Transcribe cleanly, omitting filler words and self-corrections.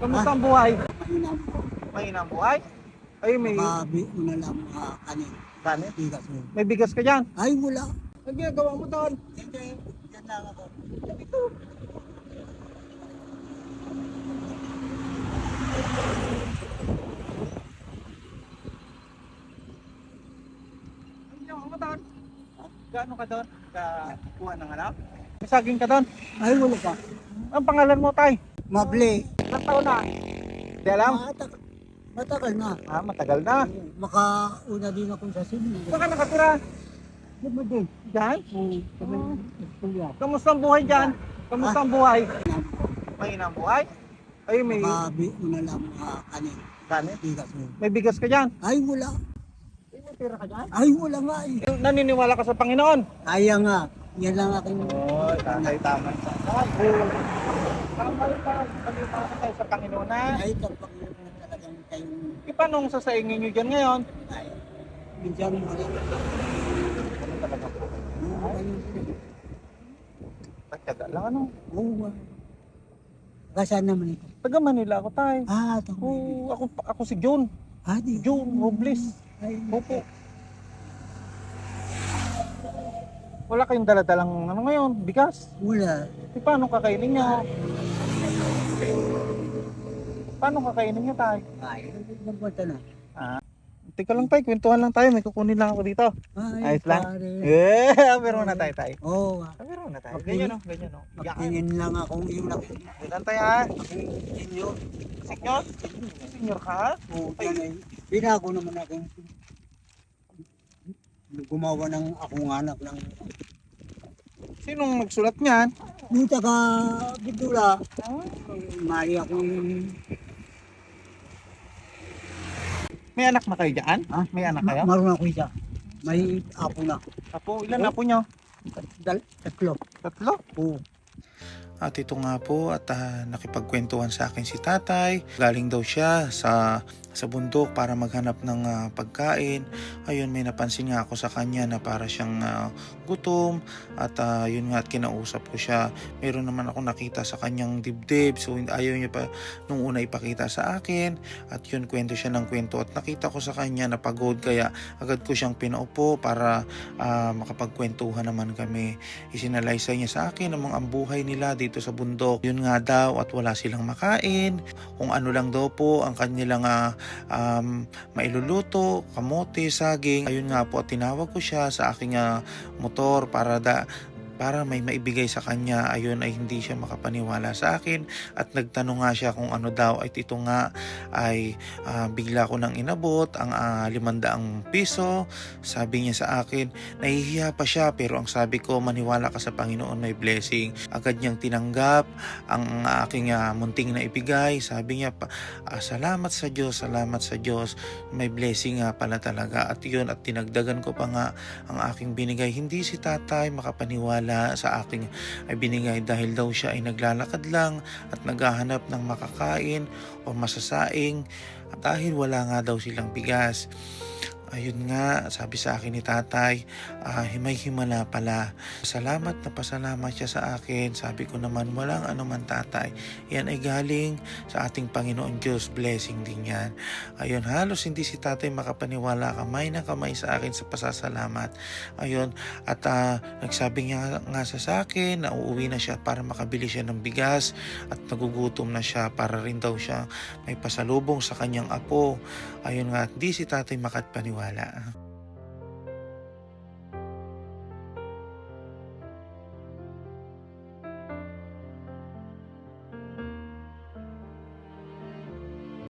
Kamusta ang buhay? Mainam po. Mahina ang buhay? Ay, may Una lang kanin. kanin. Bigas mo. May bigas ka dyan. Ay, wala. Ang ginagawa mo doon? Hindi. Yan lang ako. Ito. Ang ginagawa mo doon? Gaano ka doon? Kuha ng ano? May saging ka doon? Ay, wala pa. Ang pangalan mo, tay? Mable. Ilang taon na? Hindi alam? Matagal na. Matagal na. Makauna din ako sa sinin. Saan ka nakatira? Lumadi. Diyan? Kami kuya. Kamusta ang buhay dyan? Kamusta ang buhay? Mahina ang buhay? Ay, may Una lang kanin. kanin. Bigas mo. May bigas ka dyan? Ay, wala. Ay, may pera ka dyan? Ay, wala nga eh. Naniniwala ka sa Panginoon? Kaya nga. Yan lang aking... Oo, tatay tama. Tama tayo sa Panginoon na. Ay, kapag yun talagang kayong... Ipanong sa saingin nyo dyan ngayon? Ay, minsan wala. Ano talaga po? Pagtaga lang ano? Oo. Kasaan naman ito? Taga Manila ako tayo. Ito. Ako si John. Di. John Robles. Ay, Opo. Wala kayong daladalang ano ngayon, bigas. wala. Paano kakainin nyo? Paano kakainin nyo tayo? Ay, nagpunta na. Teka lang tayo, kwentuhan lang tayo. May kukunin lang ako dito. Ay, Ayos lang? pare. Pero na tayo tayo. Oo. Pero na tayo. Okay. Ganyan o, ganyan o. Magtingin lang akong yung Ganyan tayo ha. inyo. Senyor? Senyor ka ha? Oo, binago naman akong gumawa ng akong anak ng Sinong nagsulat niyan? yung taga Bidula. Mali akong May anak na kayo dyan? Ha? May anak kayo? marunong ako isa. May apo na. Apo, ilan apo nyo? Tatlo. Tatlo? Oo. At ito nga po at nakipagkwentuhan sa akin si tatay. Galing daw siya sa bundok para maghanap ng pagkain. Ayun, may napansin nga ako sa kanya na para siyang gutom. At yun nga at kinausap ko siya. Meron naman ako nakita sa kanyang dibdib. So ayaw niya pa nung una ipakita sa akin. At yun, kwento siya ng kwento. At nakita ko sa kanya na pagod. Kaya agad ko siyang pinaupo para makapagkwentuhan naman kami. Isinalaysay niya sa akin ang mga buhay nila dito sa bundok. Yun nga daw at wala silang makain. Kung ano lang daw po ang kanilang mailuluto, kamote, saging. Ayun nga po at tinawag ko siya sa aking motor para may maibigay sa kanya. Ayun ay hindi siya makapaniwala sa akin at nagtanong nga siya kung ano daw. At ito nga ay bigla ko nang inabot ang 500 piso. Sabi niya sa akin, nahihiya pa siya pero ang sabi ko, maniwala ka sa Panginoon, may blessing. Agad niyang tinanggap ang aking munting na ibigay. Sabi niya, salamat sa Diyos, salamat sa Diyos. May blessing nga pala talaga. At yun, at tinagdagan ko pa nga ang aking binigay. Hindi si tatay makapaniwala sa aking ay binigay dahil daw siya ay naglalakad lang at naghahanap ng makakain o masasaing dahil wala nga daw silang bigas. Ayun nga, sabi sa akin ni tatay, himay-himala pala. Salamat na pasalamat siya sa akin. Sabi ko naman, walang anuman tatay. Yan ay galing sa ating Panginoon Diyos. Blessing din yan. Ayun, halos hindi si tatay makapaniwala, kamay na kamay sa akin sa pasasalamat. Ayun, at nagsabi niya nga sa akin na uuwi na siya para makabili siya ng bigas at nagugutom na siya para rin daw siya may pasalubong sa kanyang apo. Ayun nga, di si tatay makapaniwala.